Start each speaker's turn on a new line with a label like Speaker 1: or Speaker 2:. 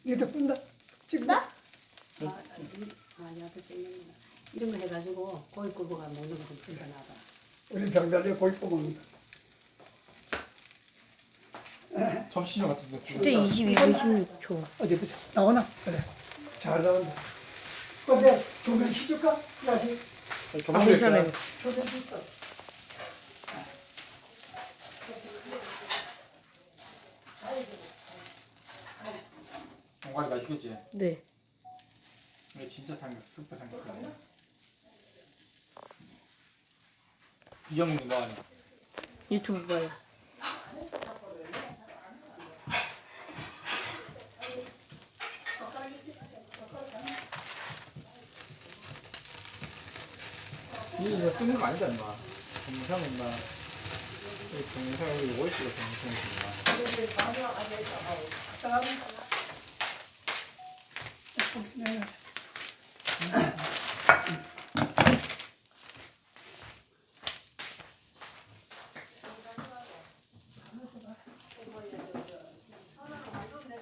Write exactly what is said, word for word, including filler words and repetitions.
Speaker 1: 이것도 끈다. 지금
Speaker 2: 나? 아, 아, 야도 땡겼나. 이런 거 해가지고 고기 굽어가 먹는 거 좀 진짜 나다.
Speaker 1: 우리 병달래 고기 뽑은
Speaker 3: 점심시간 같은데.
Speaker 4: 그때 이십이 분 십육 초.
Speaker 1: 어디 보자. 나오나? 그래. 잘 나온다. 근데 조명 시줄까? 야지.
Speaker 4: 아, 괜찮아요.
Speaker 1: 조명 시있어.
Speaker 3: 정갈이 맛있겠지?
Speaker 4: 네.
Speaker 3: 이게 진짜 삼겹, super 삼겹살이야. 이형님 뭐 하냐?
Speaker 4: 유튜브 봐요.
Speaker 3: 이거 쓰는 거 아니다, 인마. 동영상 인마. 이 동영상 여기 오고 있어, 동영상 인마.
Speaker 1: 네.